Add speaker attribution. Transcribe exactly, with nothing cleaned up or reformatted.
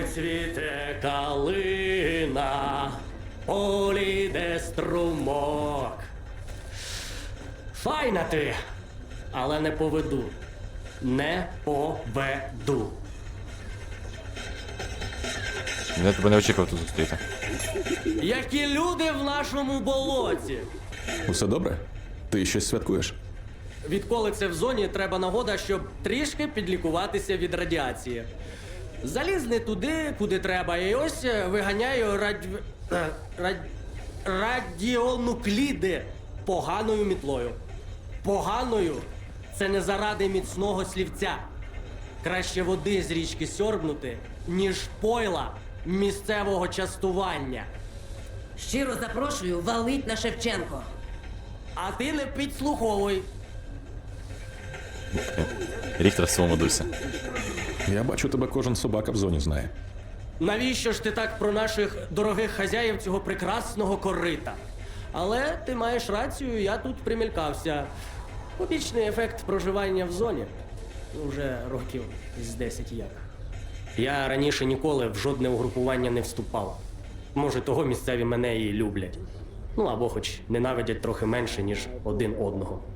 Speaker 1: цвіте калина, полі де струмок. Файна ти, але не поведу. Не поведу.
Speaker 2: Я тебе не очікував тут зустріти.
Speaker 1: Які люди в нашому болоті.
Speaker 3: Усе добре? Ти щось святкуєш?
Speaker 1: Відколи це в зоні, треба нагода, щоб трішки підлікуватися від радіації. Заліз не туди, куди треба, і ось виганяю радь... е, радь... радіонукліди поганою мітлою. Поганою – це не заради міцного слівця. Краще води з річки сьорбнути, ніж пойла місцевого частування.
Speaker 4: Щиро запрошую валить на Шевченко.
Speaker 1: А ти не підслуховуй.
Speaker 2: Ріхтер в своєму дусі.
Speaker 3: Я бачу, тебе кожен собака в зоні знає.
Speaker 1: Навіщо ж ти так про наших дорогих хазяїв цього прекрасного корита? Але ти маєш рацію, я тут примількався. Побічний ефект проживання в зоні. Уже років з десять як. Я раніше ніколи в жодне угрупування не вступав. Може, того місцеві мене і люблять. Ну або хоч ненавидять трохи менше, ніж один одного.